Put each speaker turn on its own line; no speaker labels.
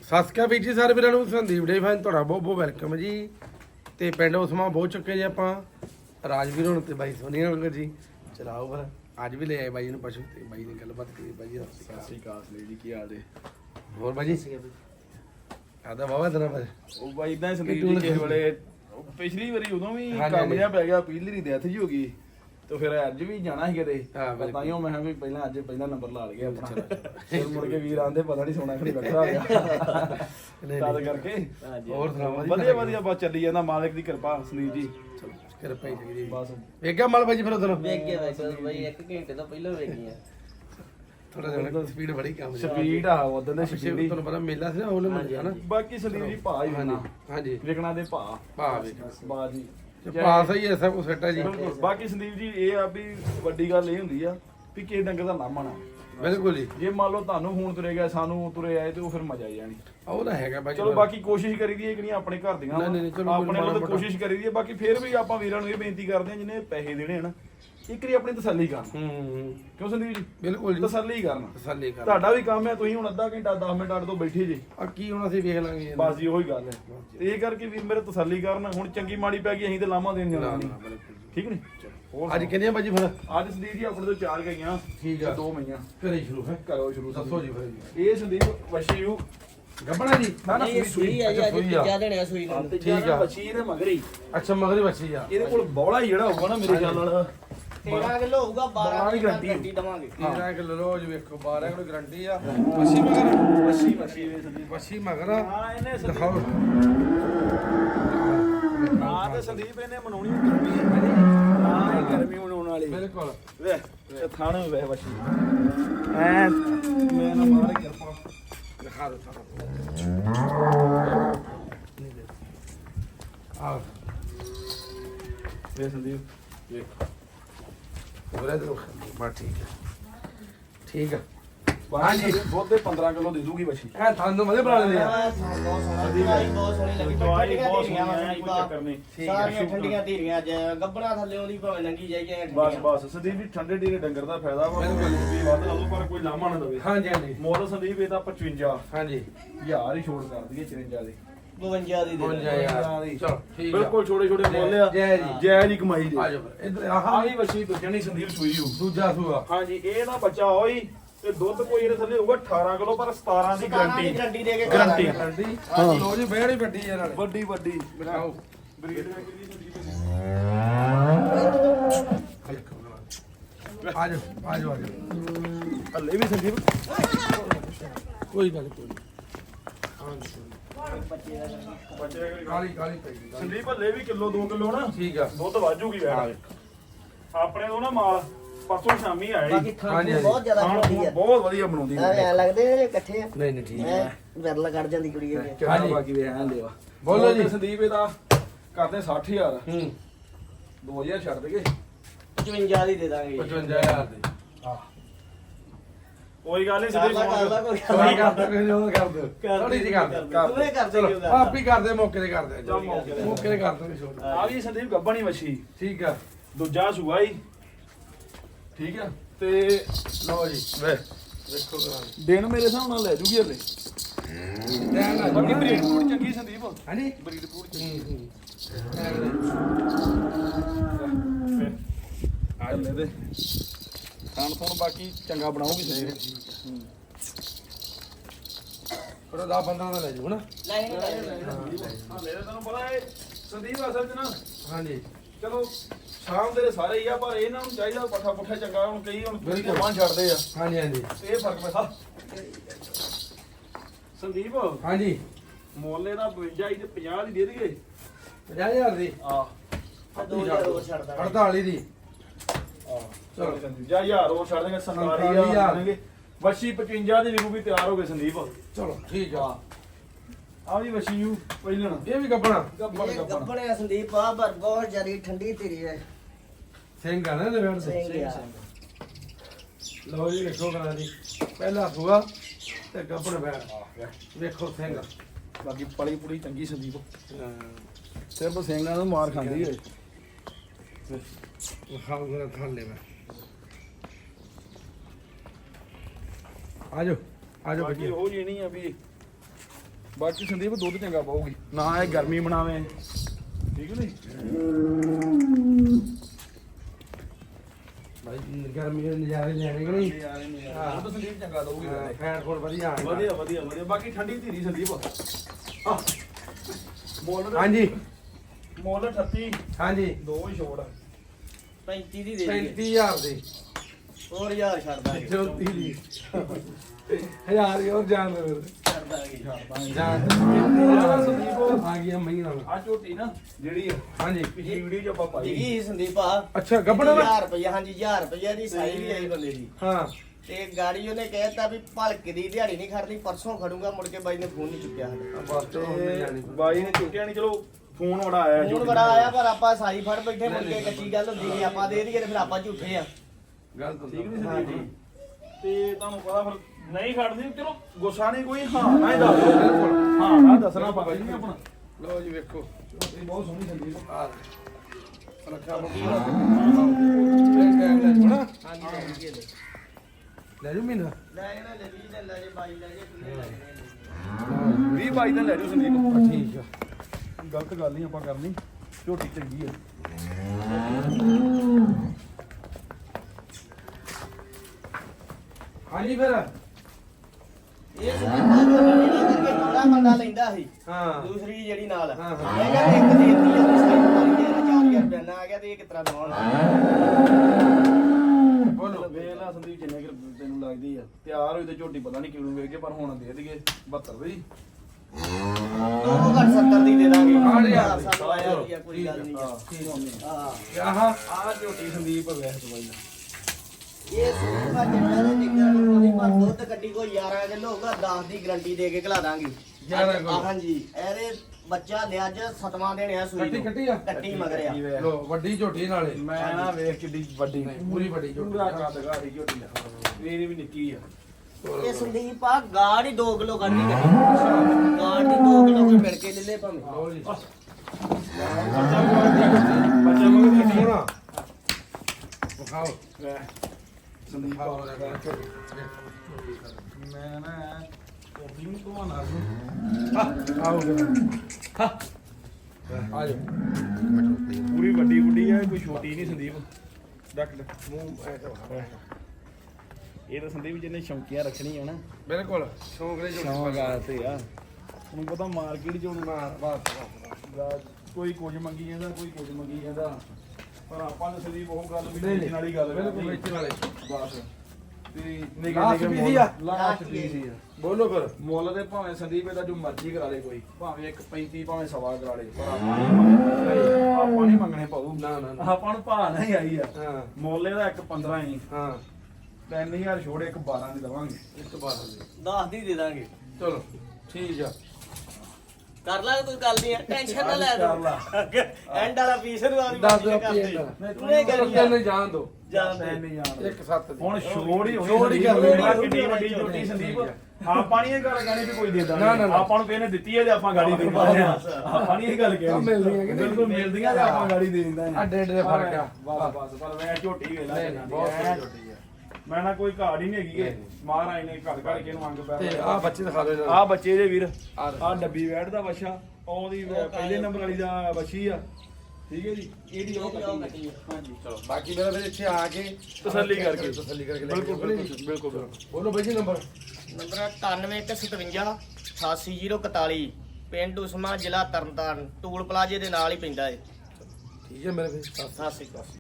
ਸਤਿ ਸ਼੍ਰੀ ਅਕਾਲ ਵੀਰ ਜੀ ਸਾਰੇ ਵੀਰਾਂ ਨੂੰ ਸੰਦੀਪ ਡੇ ਫੈਨ ਤੁਹਾਡਾ ਬਹੁਤ ਬਹੁਤ ਵੈਲਕਮ ਜੀ। ਤੇ ਪਿੰਡ ਉਸਮਾ ਬਹੁਤ ਚੁੱਕੇ ਜੀ ਆਪਾਂ ਰਾਜਵੀਰ ਹੁਣ ਤੇ ਬਾਈ ਸੋਨੀ ਹੋਣਗੇ ਜੀ। ਚਲਾਓ ਫਿਰ ਅੱਜ ਵੀ ਲੈ ਆਏ ਬਾਈ ਨੂੰ ਪਸ਼ੂ ਤੇ ਬਾਈ ਨੇ ਗੱਲਬਾਤ ਕੀਤੀ। ਬਾਈ ਜੀ
ਸਤਿ ਸ਼੍ਰੀ ਅਕਾਲ ਜੀ, ਕੀ ਹਾਲ ਹੈ?
ਹੋਰ ਬਾਈ ਜੀ ਆਦਾ ਬਾਬਾ ਤੇਰਾ ਬਾਈ
ਉਹ ਬਾਈ ਇਦਾਂ ਸੰਦੀਪ ਜੀ ਕਿਸੇ ਵੇਲੇ ਪਿਛਲੀ ਵਾਰੀ ਉਦੋਂ ਵੀ
ਹਾਂਜੀ,
ਕੰਮ ਜਿਹਾ ਪੈ ਗਿਆ, ਪਿਛਲੀ ਦੀ ਡੈਥ ਜੀ ਹੋ ਗਈ ਤੇ ਫਿਰ ਅੱਜ ਵੀ ਜਾਣਾ ਸੀ ਕਿਤੇ।
ਹਾਂ, ਬਿਲਕੁਲ।
ਤਾਂ ਹੀ ਮੈਂ ਕਿਹਾ ਵੀ ਪਹਿਲਾਂ ਅੱਜ ਪਹਿਲਾ ਨੰਬਰ ਲਾ ਲਈਏ ਆਪਣਾ। ਫਿਰ ਮੁੜ ਕੇ ਵੀਰ ਆਂਦੇ ਪਤਾ ਨਹੀਂ ਸੋਨਾ ਖੜੀ ਬੈਠਾ ਗਿਆ ਤਦ ਕਰਕੇ।
ਹੋਰ ਸੁਣਾਓ ਜੀ?
ਵਧੀਆ ਵਧੀਆ ਬਸ ਚੱਲੀ ਜਾਂਦਾ, ਮਾਲਕ ਦੀ ਕਿਰਪਾ ਸੰਦੀਪ ਜੀ।
ਕਿਰਪਾ ਹੀ ਜੀ
ਬਸ
ਵੇਖਿਆ ਮਲ ਬਾਈ ਜੀ ਫਿਰ ਉਧਰ
ਵੇਖ ਗਿਆ ਵੈਸੇ ਬਾਈ 1 ਘੰਟੇ ਤੋਂ ਪਹਿਲਾਂ ਵੇਖ ਗਿਆ।
ਥੋੜਾ ਜਿਹਾ ਸਪੀਡ ਬੜੀ ਕੰਮ
ਸਪੀਡ ਆ ਉਦੋਂ ਦੇ
ਪਿੱਛੇ
ਸਪੀਡ।
ਤੁਹਾਨੂੰ ਪਤਾ ਮੇਲਾ ਸੀ ਨਾ ਉਹਨੇ ਮੰਗਿਆ ਨਾ।
ਬਾਕੀ ਸੰਦੀਪ ਜੀ ਭਾ ਹੀ
ਹਾਂਜੀ
ਹੋਣਾ
ਹਾਂਜੀ
ਵਿਕਣਾ ਦੇ ਭਾ
ਭਾ ਵੇਖ
ਬਾਜੀ
ਪਾਸ ਹੀ ਹੈ ਸਭ ਕੁਝ ਸੈਟ ਹੈ ਜੀ।
ਬਿਲਕੁਲ। ਬਾਕੀ ਸੰਦੀਪ ਜੀ ਇਹ ਆ ਵੀ ਵੱਡੀ ਗੱਲ ਇਹ ਹੁੰਦੀ ਆ ਵੀ ਕਿਸੇ ਡੰਗਰ ਦਾ ਨਾਮ ਆਣਾ।
ਬਿਲਕੁਲ ਜੀ
ਜੇ ਮੰਨ ਲਓ ਤੁਹਾਨੂੰ ਹੁਣ ਤੁਰੇ ਗਿਆ ਸਾਨੂੰ ਤੁਰੇ ਆਏ ਤੇ ਉਹ ਫਿਰ ਮਜ਼ਾ ਆ ਜਾਣੀ।
ਉਹ ਤਾਂ ਹੈਗਾ ਬਾਈ
ਚਲੋ ਬਾਕੀ ਕੋਸ਼ਿਸ਼ ਕਰੀਦੀ ਹੈ ਕਿ ਨਹੀਂ ਆਪਣੇ ਘਰ ਦੀਆਂ
ਨਹੀਂ, ਚਲੋ
ਆਪਣੇ ਵੱਲੋਂ ਤਾਂ ਕੋਸ਼ਿਸ਼ ਕਰੀਦੀ ਹੈ। ਬਾਕੀ ਫਿਰ ਵੀ ਆਪਾਂ ਵੀਰਾਂ ਨੂੰ ਇਹ ਬੇਨਤੀ ਕਰਦੇ ਹਾਂ ਜਿਹਨੇ ਪੈਸੇ ਦੇਣੇ ਹਨ ਇੱਕ ਵਾਰੀ ਆਪਣੀ ਤਸੱਲੀ ਕਰਨ। ਕਿਉਂ ਸੰਦੀਪ ਜੀ?
ਬਿਲਕੁਲ ਜੀ
ਤਸੱਲੀ ਕਰਨਾ
ਤਸੱਲੀ ਕਰ
ਤੁਹਾਡਾ ਵੀ ਕੰਮ ਹੈ। ਤੁਸੀਂ ਹੁਣ ਅੱਧਾ ਘੰਟਾ 10 ਮਿੰਟ ਅੱਡ ਤੋਂ ਬੈਠੇ ਜੇ
ਆ ਕੀ ਹੁਣ ਅਸੀਂ ਵੇਖ ਲਾਂਗੇ
ਬਸ ਜੀ ਉਹੀ ਗੱਲ ਹੈ। ਤੇ ਇਹ ਕਰਕੇ ਵੀਰ ਮੇਰੇ ਤਸੱਲੀ ਕਰਨ। ਹੁਣ ਚੰਗੀ ਮਾੜੀ ਪੈ ਗਈ ਅਸੀਂ ਤੇ ਲਾਮਾ ਦੇਣ ਜਾਣਾ ਨਹੀਂ। ਠੀਕ ਨਹੀਂ? ਹੋਰ
ਅੱਜ ਕਿੰਨੇ ਬਾਜੀ ਫਿਰ
ਅੱਜ ਸੰਦੀਪ ਜੀ ਆਪਣੇ ਤੋਂ 4 ਗਈਆਂ
ਠੀਕ ਆ।
2 ਮਈਆਂ।
ਘਰੇ ਸ਼ੁਰੂ ਹੈ
ਕਰੋ ਸ਼ੁਰੂ
ਦੱਸੋ ਜੀ ਫਿਰ
ਇਹ ਸੰਦੀਪ ਵਸ਼ੀਯੂ
ਗੱਬਣਾ ਜੀ
ਨਾ
ਇਹ ਸੂਈ ਆ ਜੀ, ਅੱਜ ਤੀਜਾ ਦਿਨ ਆ ਸੂਈ ਨੂੰ।
ਠੀਕ ਆ।
ਵਸ਼ੀ ਦੇ ਮਗਰੀ
ਅੱਛਾ ਮਗਰੀ ਬੱਚੀ ਆ
ਇਹਦੇ ਕੋਲ ਬੌਲਾ ਹੀ ਜਿਹੜਾ ਹੋਊਗਾ ਨਾ ਮੇਰੇ ਖਿਆਲ ਨਾਲ
13 ਕਿਲੋ ਹੋਊਗਾ, 12 ਦੀ
ਗਰੰਟੀ
ਗਰੰਟੀ ਦਵਾਂਗੇ।
13 ਕਿਲੋ ਰੋਜ਼ ਵੇਖੋ 12 ਕਿਲੋ ਗਰੰਟੀ ਆ। ਬੱਚੀ ਮਗਰ
ਵਸ਼ੀ ਦੇ ਸੰਦੀਪ
ਬੱਚੀ ਮਗਰ
ਹਾਂ ਇਹਨੇ
ਦਿਖਾਓ
ਹਾਂ ਤੇ ਸੰਦੀਪ ਇਹਨੇ ਮਨਾਉਣੀ ਗਰਮੀ ਹਾਂ ਇਹ ਗਰਮੀ ਮਨਾਉਣ ਵਾਲੀ
ਬਿਲਕੁਲ
ਵੇ ਇਹ ਥਾਣੇ ਵੇ ਵਸ਼ੀ ਐ ਮੈਂ ਨਾ ਮਾਰ ਕਿਰਪਾ
ਦਿਖਾ ਦੋ ਆ
ਵੇ ਸੰਦੀਪ ਵੇਖ
ਉਹਰੇ ਦੋ ਬਾ ਠੀਕ ਹੈ ਠੀਕ ਆ
ਹਾਂਜੀ ਦੁੱਧ ਦੇ 15 ਕਿਲੋ ਦੇ ਦੂਗੀ ਵਸ਼ੀ
ਇਹ ਤੁਹਾਨੂੰ ਮਜ਼ੇ ਬਣਾ ਲੈਂਦੇ ਆ
ਬਹੁਤ ਸੋਹਣੀ ਲੱਗੀ।
ਦਵਾਈ ਬਹੁਤ
ਠੰਡੀਆਂ
ਸੋਹਣੀ ਹੈ,
ਧੀਰੀਆਂ
ਕੋਈ ਚੱਕਰ ਨਹੀਂ।
ਸਾਰੀਆਂ ਠੰਡੀਆਂ ਧੀਰੀਆਂ ਗੱਬਣਾ ਥੱਲੇ ਉਹਦੀ ਭਾਵੇਂ ਲੰਗੀ ਜਾਈਏ।
ਬਸ ਬਸ ਸੰਦੀਪ ਜੀ ਠੰਡੇ ਢੀਰੇ ਡੰਗਰ ਦਾ ਫਾਇਦਾ ਵਾ ਵੀ ਵੱਧ ਲਾ ਲਓ ਪਰ ਕੋਈ ਲਾਮਾ ਨਾ ਦੇਵੇ।
ਹਾਂਜੀ ਹਾਂਜੀ
ਮੋਲ ਸੰਦੀਪ ਇਹ ਤਾਂ 55
ਹਾਂਜੀ
ਹਜ਼ਾਰ ਹੀ ਛੋੜ ਕਰ ਦਈਏ 54 ਦੇ
52 ਦੀ ਦੇ ਦਾਂਗੇ।
52,000 ਚਲੋ ਠੀਕ ਆ
ਬਿਲਕੁਲ ਛੋਟੇ ਛੋਟੇ ਮੁੱਲ ਆ
ਜੈ ਜੀ
ਜੈ ਦੀ ਕਮਾਈ
ਆ
ਦੇ।
ਜਾਓ ਫਿਰ ਇੱਧਰ ਆਹ
ਆਹ ਵੀ ਵੱਛੀ ਦੂਜਣੀ ਸੰਦੀਪ ਸੂਈ ਹੋ
ਦੂਜਾ ਸੂਆ
ਹਾਂਜੀ ਇਹ ਨਾ ਬੱਚਾ ਹੋਈ ਤੇ ਦੁੱਧ ਕੋਈ ਇਹਦੇ ਥੱਲੇ ਹੋਊਗਾ 18 ਕਿਲੋ ਪਰ 17 ਦੀ
17 ਦੀ
ਗਾਰੰਟੀ
ਗਰੰਟੀ ਦੇ ਕੇ
ਗਰੰਟੀ।
ਗਰੰਟੀ ਹਾਂ ਲੋ ਜੀ ਬੈੜੀ ਵੱਡੀ ਆ ਨਾਲੇ
ਵੱਡੀ ਵੱਡੀ
ਦਿਖਾਓ
ਬਰੀਡ
ਆ ਜਾਓ ਆ ਜਾਓ
ਹੱਲੇ ਵੀ ਸੰਦੀਪ
ਕੋਈ ਗੱਲ ਕੋਈ ਕਾਲੀ ਕਾਲੀ ਪਈ
ਸੰਦੀਪ ਹੱਲੇ ਵੀ ਕਿਲੋ 2 ਕਿਲੋ ਨਾ
ਠੀਕ ਆ
ਦੁੱਧ ਵਾਜੂਗੀ ਵੈਣ ਆਪਣੇ ਤੋਂ ਨਾ ਮਾਲ ਪਰਸੋਂ ਸ਼ਾਮੀ ਆਇਆ
ਬਾਕੀ
ਜੀ
ਥਾਂ ਬਹੁਤ ਜ਼ਿਆਦਾ
ਖਾਣ
ਬਣਦੀ ਆ।
ਬਹੁਤ ਵਧੀਆ ਬਣਾਉਂਦੀ
ਐ ਲੱਗਦੇ ਨੇ ਜੇ ਇਕੱਠੇ ਆ।
ਨਹੀਂ ਨਹੀਂ ਠੀਕ
ਐ ਵਿਰਲਾ ਕੱਢ ਜਾਂਦੀ ਕੁੜੀ ਇਹ।
ਹਾਂਜੀ ਬਾਕੀ ਵੇ ਐਂ ਲੈਵਾ
ਬੋਲੋ ਜੀ।
ਸੰਦੀਪ ਇਹਦਾ ਕਰਦੇ 60000
ਹੂੰ
2000 ਛੱਡ ਦੇਗੇ
55 ਦੀ ਦੇ ਦਾਂਗੇ।
55000 ਦੇ
ਕੋਈ ਗੱਲ ਨਹੀਂ
ਕਰ ਲਾ
ਸੰਦੀਪ
ਕੋਈ
ਥੋੜੀ ਕਰ ਦੋ ਕਿਸੇ ਹੋਰ ਕਰ ਦੋ ਥੋੜੀ ਜੀ ਕਰ ਦੋ
ਤੂੰ ਇਹ ਕਰ ਦੇ
ਚਲੋ ਆਪ ਹੀ ਕਰਦੇ ਮੌਕੇ ਤੇ ਕਰਦੇ
ਚੱਲ ਮੌਕੇ ਤੇ।
ਮੌਕੇ ਤੇ ਕਰ ਦੋਗੇ ਛੋਟ
ਆ ਵੀ ਸੰਦੀਪ ਗੱਬਣੀ ਮੱਛੀ
ਠੀਕ ਆ
ਦੂਜਾ ਸੂਆ ਹੀ ਠੀਕ ਆ ਤੇ
ਲਓ ਜੀ
ਵੇ
ਵੇਖੋ ਕਰਾਂ
ਦਿਨ ਮੇਰੇ ਹਿਸਾਬ ਨਾਲ ਲੈ ਜੂਗੀ ਹਲੇ ਬਾਕੀ ਬਰੀਡ ਫੂਡ ਚੰਗੀ ਸੰਦੀਪ
ਹਾਂਜੀ
ਬਰੀਡ ਫੂਡ ਆ ਲੈ ਦੇ ਖਾਣ ਤੋਂ ਬਾਕੀ ਚੰਗਾ ਬਣਾਉਗੀ ਸੰਦੀਪ
ਪਰ 10 15 ਦਾ ਲੈ ਜੂ ਨਾ
ਲੈ ਲੈ
ਹਾਂ ਮੇਰੇ ਤੁਹਾਨੂੰ ਪਤਾ ਹੈ ਸੰਦੀਪ ਅਸਲ 'ਚ ਨਾ
ਹਾਂਜੀ
ਚਲੋ ਸ਼ਾਮ ਦੇ ਸਾਰੇ ਹੀ ਆ ਪਰ ਇਹਨਾਂ ਨੂੰ ਚਾਹੀਦਾ ਪੱਠਾ ਪੁੱਠਾ ਚੰਗਾ ਹੁਣ ਕਈ ਹੁਣ
ਬਿਲਕੁਲ।
ਬਾਂਹ ਛੱਡਦੇ ਆ
ਹਾਂਜੀ ਹਾਂਜੀ
ਤੇ ਇਹ ਫਰਕ ਪੈਸਾ ਸੰਦੀਪ
ਹਾਂਜੀ
ਮੋਲੇ ਦਾ 52 ਤੇ 50 ਦੀ ਦੇ ਦੇਗੇ
50000 ਦੀ
ਆ
2000 ਹੋਰ ਛੱਡ ਦਾਂਗੇ।
48 ਦੀ
ਚਲੋ
ਚਲੋ
ਸੰਦੀਪ ਜਾ ਯਾਰ ਉਹ ਛੱਡ ਦੇਗੇ
47,000
47,000 ਦੇਣਗੇ ਵਸ਼ੀ 55 ਦੀ ਵਿਕੂ ਵੀ ਤਿਆਰ ਹੋ ਗਏ ਸੰਦੀਪ
ਚਲੋ ਠੀਕ ਆ
ਆ ਵੀ ਵਸ਼ੀ ਯੂ ਪਹਿਲਣ
ਇਹ ਵੀ ਗੱਬਣਾ
ਗੱਬੜ
ਇਹ
ਗੱਬੜ
ਗੱਬਣੇ ਸੰਦੀਪ ਆ ਪਰ ਬਹੁਤ ਜ਼ਿਆਦਾ ਠੰਡੀ ਧੀਰੀ ਹੈ।
ਸਿੰਘ ਆ ਨਾ ਲੈਣ ਦੇ
ਸਿੰਘ ਆ।
ਲਓ ਜੀ ਵੇਖੋ ਕਰਾਂ ਜੀ ਪਹਿਲਾ ਸੂਆ ਤੇ ਗੱਬਣ ਬੈਣ ਵੇਖੋ ਸਿੰਘ
ਬਾਕੀ ਪਲੀ ਪੁੜੀ ਚੰਗੀ ਸੰਦੀਪ ਸਿਰਫ ਸਿੰਘਾਂ ਨੂੰ ਮਾਰ ਖਾਂਦੀ ਓਏ
ਖਾਊਗਾ ਖਾ ਲੈ ਮੈਂ ਆਜੋ ਆਜੋ
ਬਾਕੀ
ਬੱਜੀ
ਉਹ ਜੀ ਨਹੀਂ ਆ ਵੀ ਬਾਕੀ ਸੰਦੀਪ ਦੁੱਧ ਚੰਗਾ ਪਾਉਗੀ ਨਾ ਇਹ ਗਰਮੀ ਬਣਾਵੇ ਠੀਕ ਨਹੀਂ
ਬਾਈ ਗਰਮੀ ਦੇ ਨਜ਼ਾਰੇ ਲੈਣੇ ਕਿ ਨਹੀਂ
ਦੁੱਧ ਸੰਦੀਪ ਚੰਗਾ ਦਊਗੀ
ਫੈਟ ਫੋਟ ਵਧੀਆ ਆਏਗਾ।
ਵਧੀਆ ਵਧੀਆ ਵਧੀਆ ਬਾਕੀ ਠੰਡੀ ਧੀਰੀ ਸੰਦੀਪ ਮੁੱਲ
ਹਾਂਜੀ
ਮੁੱਲ 38
ਹਾਂਜੀ
ਦੋ ਹੀ ਛੋੜ
35 ਦੀ ਦੇ ਦੇ
35000 ਦੇ
ਹੋਰ 1000 ਛੱਡ ਦਾਂਗੇ
ਜੋਤੀ ਦੀ 1000 ਹੋਰ ਜਾਣ ਦੇ
ਛੱਡ ਦਾਂਗੇ
ਜਾਣ ਆ ਗਿਆ ਮਹੀਨਾ
ਆ ਝੋਟੀ ਨਾ ਜਿਹੜੀ
ਹਾਂਜੀ
ਪਿਛਲੀ ਵੀਡੀਓ 'ਚ ਆਪਾਂ ਪਾਈ
ਜੀ ਸੰਦੀਪ ਆ
ਅੱਛਾ ਗੱਬੜ ਦਾ
1000 ਰੁਪਇਆ ਹਾਂਜੀ 1000 ਰੁਪਇਆ ਦੀ ਸਾਈ ਵੀ ਆਈ ਬੰਦੇ ਦੀ
ਹਾਂ
ਤੇ ਗਾੜੀ ਉਹਨੇ ਕਹਿਤਾ ਵੀ ਭਲਕੇ ਦੀ ਦਿਹਾੜੀ ਨਹੀਂ ਖੜਨੀ ਪਰਸੋਂ ਖੜੂਗਾ ਮੁੜ ਕੇ ਬਾਈ ਨੇ ਫੋਨ ਨਹੀਂ ਚੁੱਕਿਆ ਹਾਲੇ
ਬਸ ਚਲੋ ਹੁਣ ਨਹੀਂ ਜਾਣੀ
ਬਾਈ ਨੇ ਚੁੱਕਿਆ ਨਹੀਂ ਚਲੋ ਫੋਨ ਬੜਾ ਆਇਆ
ਫੋਨ ਬੜਾ ਆਇਆ ਪਰ ਆਪਾਂ ਸਾਈ ਫੜ ਬੈਠੇ ਮੁੜ ਕੇ ਕੱਚੀ ਗੱਲ ਹੁੰਦੀ ਨਹੀਂ ਆਪਾਂ ਦੇ ਦਈਏ ਤੇ ਫਿਰ ਆਪਾਂ ਝੂਠੇ ਆ
ਗਲਤ ਹੁੰਦਾ
ਠੀਕ ਨਹੀਂ ਸੰਦੀਪ ਜੀ ਤੇ ਤੁਹਾਨੂੰ ਪਤਾ ਫਿਰ ਨਹੀਂ ਖੜਦੀ ਚਲੋ ਗੁੱਸਾ ਨਹੀਂ ਕੋਈ ਹਾਂ ਨਾ ਹੀ ਦੱਸ ਦਿਓ ਹਾਂ ਨਾ ਦੱਸਣਾ ਪਾ ਜੀ ਆਪਣਾ
ਲਓ ਜੀ ਵੇਖੋ
ਝੋਟੀ ਬਹੁਤ ਸੋਹਣੀ ਸੰਦੀਪ
ਆ ਰੱਖਾ ਮੁਕੀ
ਹਾਂਜੀ
ਲੈ ਜੂ ਮਹੀਨਾ
ਲੈ ਇਹਨਾਂ ਲੈ ਵੀ ਲੈ ਲੈ ਜੇ ਬਾਈ ਲੈ ਜੇ ਕਿੰਨੇ ਲੱਗਣੇ
20 22 ਦਿਨ ਲੈ ਜਾਓ ਸੰਦੀਪ
ਠੀਕ ਆ
ਗਲਤ ਗੱਲ ਨਹੀਂ ਆਪਾਂ ਕਰਨੀ ਝੋਟੀ ਚੰਗੀ ਹੈ
ਹਾਂਜੀ ਫਿਰ
ਇਹ ਕਰਕੇ ਥੋੜਾ ਬੰਦਾ ਲੈਂਦਾ ਸੀ
ਹਾਂ
ਦੂਸਰੀ ਜਿਹੜੀ ਨਾਲ
ਹਾਂ, ਹਾਂ।
ਮੈਂ ਕਿਹਾ ਇੱਕ ਦੇਤੀ ਉਹਦੀ ਸਾਈ ਮਾਰੀ ਗਿਆ 4000 ਰੁਪਇਆ ਨਾ ਆ ਗਿਆ ਤੇ ਇਹ ਕਿਤਰਾ ਦਵਾਉਣਾ
ਬੋਲੋ
ਵੇਖ ਲਾ ਸੰਦੀਪ ਜਿੰਨੇ ਕਿ ਤੈਨੂੰ ਲੱਗਦੀ ਆ ਤਿਆਰ ਹੋਈ ਤੇ ਝੋਟੀ ਪਤਾ ਨਹੀਂ ਕਿਉਂ ਵੇਖ ਕੇ ਪਰ ਹੁਣ ਦੇ ਦਈਏ 72 ਦੀ
ਉਹ ਘੱਟ 70 ਦੀ ਦੇ ਦਾਂਗੇ
ਹਾਂ ਯਾਰ।
ਸਾਨੂੰ ਆਇਆ ਵੀ ਆ, ਕੋਈ ਗੱਲ ਨਹੀਂ ਹਾਂ
ਆਹਾ
ਆ ਝੋਟੀ ਸੰਦੀਪ ਵੇਖ ਦਵਾਈ
ਇਹ ਸੂਖਾ ਜਿੰਨਾ ਦੇ ਨਿਕਲ ਨੂੰ ਉਹਦੀ ਪਰ ਦੁੱਧ ਕੱਟੀ ਕੋਈ 11 ਕਿਲੋ ਹੋਊਗਾ 10 ਦੀ ਗਰੰਟੀ ਦੇ ਕੇ ਖਿਲਾ ਦਾਂਗੇ
11 ਕਿਲੋ।
ਹਾਂਜੀ ਇਹਦੇ ਬੱਚਾ ਲਿਆ ਅੱਜ 7ਵਾਂ ਦਿਨ ਆ ਸੂਈ ਨੂੰ।
ਕੱਟੀ ਆ?
ਕੱਟੀ ਮਗਰਿਆ
ਲੋ ਵੱਡੀ ਝੋਟੀ ਨਾਲੇ
ਮੈਂ ਨਾ ਵੇਖ ਕਿੱਡੀ ਵੱਡੀ
ਪੂਰੀ ਵੱਡੀ ਝੋਟੀ
ਪੂਰਾ ਕੱਦਗਾ ਦੀ ਝੋਟੀ ਆ ਮੇਰੀ ਵੀ ਨਿੱਕੀ ਆ
ਇਹ ਸੰਦੀਪ ਆ ਗਾੜ ਹੀ 2 ਕਿਲੋ ਕੱਢੀ ਕੱਢੀ ਗਾੜ ਦੀ 2 ਕਿਲੋ ਕੋਈ ਮਿਲ ਕੇ ਲੈ ਲੈ ਭਾਵੇਂ
ਲਓ ਜੀ
ਬੱਚਾ ਮਗਰ ਦੀ
ਸੋਹਣਾ ਵਿਖਾਓ
ਸੰਦੀਪ
ਵਿਖਾਓ
ਆ ਮੈਂ ਨਾ ਕੋਫੀ ਨੂੰ ਘੁਮਾਉਣਾ ਸੀ
ਆਓ ਆ ਜਾਓ
ਪੂਰੀ ਵੱਡੀ ਵੱਡੀ ਆ ਕੋਈ ਛੋਟੀ ਨਹੀਂ ਸੰਦੀਪ ਡੱਕ ਲੈ
ਮੂੰਹ ਐ ਤਾਂ
ਇਹ ਤਾਂ ਸੰਦੀਪ ਜਿਹਨੇ ਸ਼ੌਂਕੀਆਂ ਰੱਖਣੀ ਆ ਨਾ
ਬਿਲਕੁਲ ਸ਼ੌਂਕ ਦੇ
ਸ਼ੌਂਕ ਆ ਤੇ ਆ ਤੁਹਾਨੂੰ ਪਤਾ ਮਾਰਕੀਟ ਚੋਂ
ਬਸ
ਕੋਈ ਕੁਝ ਮੰਗੀ ਜਾਂਦਾ ਕੋਈ ਕੁਝ ਮੰਗੀ ਜਾਂਦਾ ਪਰ ਆਪਾਂ ਨੂੰ ਸੰਦੀਪ ਉਹ ਗੱਲ ਵੀ
ਨਹੀਂ,
ਵੇਚਣ ਵਾਲੀ ਗੱਲ
ਬਿਲਕੁਲ ਵੇਚਣ ਵਾਲੇ
ਬਸ ਤੇ
Last piece ਹੀ ਆ।
ਲਾਸਟ ਪੀਸ ਹੀ ਆ
ਬੋਲੋ ਫਿਰ
ਮੁੱਲ ਦੇ ਭਾਵੇਂ ਸੰਦੀਪ ਇਹਦਾ ਜੋ ਮਰਜ਼ੀ ਕਰਾ ਲੇ ਕੋਈ ਭਾਵੇਂ 1.35 ਭਾਵੇਂ ਸਵਾ ਕਰਾ ਲੇ ਪਰ ਆਪਾਂ ਨਹੀਂ ਮੰਗਣੇ ਪਾਉ
ਨਾ, ਨਾ।
ਆਪਾਂ ਨੂੰ ਭਾਅ ਨਹੀਂ ਆਈ ਆ
ਹਾਂ
ਮੁੱਲ ਇਹਦਾ 1.15 ਹੀ
ਹਾਂ
3000 ਛੋੜ 1.12 ਦੀ ਦਵਾਂਗੇ
ਇੱਕ ਬਾਤ ਦੇ
10 ਦੀ ਦੇ ਦਾਂਗੇ
ਚਲੋ ਠੀਕ ਆ
ਕਰ ਲਾ ਕੋਈ ਗੱਲ ਨਹੀਂ ਟੈਨਸ਼ਨ ਨਾ ਲੈ
ਕਰ ਲਾ।
ਤੂੰ ਐਂਡ ਵਾਲਾ ਪੀਸ ਨੂੰ ਆਦੀ
10 ਰੁਪਏ
ਤੂੰ ਇਹ ਕਰੀ
ਦਾ ਨਹੀਂ ਜਾਣ ਦੋ
ਜਾਣ
ਨਹੀਂ
ਦੇ
ਨਹੀਂ ਜਾਣ
ਇੱਕ ਸੱਤ ਦੀ
ਹੁਣ ਛੋੜ ਹੀ ਹੋਈ
ਛੋੜ ਹੀ
ਸੰਦੀਪ,
ਕਰਨੀ
ਵੇਖ ਲਾ
ਆ।
ਕਿੰਨੀ ਵੱਡੀ ਝੋਟੀ ਸੰਦੀਪ ਆਪਾਂ ਨਹੀਂ ਇਹ ਗੱਲ ਕਹਿਣੀ ਵੀ ਕੋਈ ਦੇਦਾ
ਨਾ, ਨਾ, ਨਾ।
ਆਪਾਂ ਨੂੰ ਕਿਸੇ ਨੇ ਦਿੱਤੀ ਹੈ ਤੇ ਆਪਾਂ ਗਾੜੀ ਦੇ ਦਿੰਦੇ ਆ ਆਪਾਂ ਨਹੀਂ ਇਹ ਗੱਲ ਕਹਿਣੀ
ਮਿਲਦੀਆਂ ਕਿ ਨਹੀਂ?
ਬਿਲਕੁਲ ਮਿਲਦੀਆਂ ਤੇ ਆਪਾਂ ਗਾੜੀ ਦੇ ਦਿੰਦੇ
ਆ ਡੇਢ ਦੇ ਫਰਕ ਆ
ਬਸ ਬਸ ਪਰ ਮੈਂ ਝੋਟੀ ਵੇਲਾ
ਨਹੀਂ ਬਹੁਤ ਸੋਹਣੀ ਝੋਟੀ ਆ
ਮੈਂ ਨਾ ਕੋਈ ਘਾੜ ਹੀ ਨਹੀਂ ਹੈਗੀ ਕਿ ਮਹਾਰਾਜ ਨੇ ਘੜ ਘੜ ਕੇ ਨੂੰ ਅੰਗ ਪੈ
ਤੇ ਆ ਬੱਚੇ ਦਿਖਾ ਦਿਓ
ਆ ਬੱਚੇ ਦੇ ਵੀਰ
ਆਹ
ਆ ਡੱਬੀ ਵੈੜ ਦਾ ਬੱਚਾ ਉਹਦੀ ਪਹਿਲੇ ਨੰਬਰ ਵਾਲੀ ਦਾ ਬੱਚੀ ਆ ਠੀਕ ਹੈ ਜੀ ਇਹਦੀ ਉਹ ਕੱਟੀ ਆ। ਹਾਂਜੀ
ਚਲੋ ਬਾਕੀ ਮੇਰਾ ਫਿਰ ਇੱਥੇ ਆ ਕੇ
ਤਸੱਲੀ ਕਰਕੇ
ਤਸੱਲੀ ਕਰਕੇ ਲੈ
ਬਿਲਕੁਲ
ਕੇ
ਬਿਲਕੁਲ ਬਿਲਕੁਲ
ਬੋਲੋ ਬਾਈ ਜੀ ਨੰਬਰ
ਨੰਬਰ 9157 88041 ਪਿੰਡ ਉਸਮਾ ਜ਼ਿਲ੍ਹਾ ਤਰਨਤਾਰਨ ਟੂਲ ਪਲਾਜ਼ੇ ਦੇ ਨਾਲ ਹੀ ਪੈਂਦਾ ਏ
ਠੀਕ ਹੈ ਮੇਰੇ ਫਿਰ
ਸਤਿ ਸ਼੍ਰੀ ਅਕਾਲ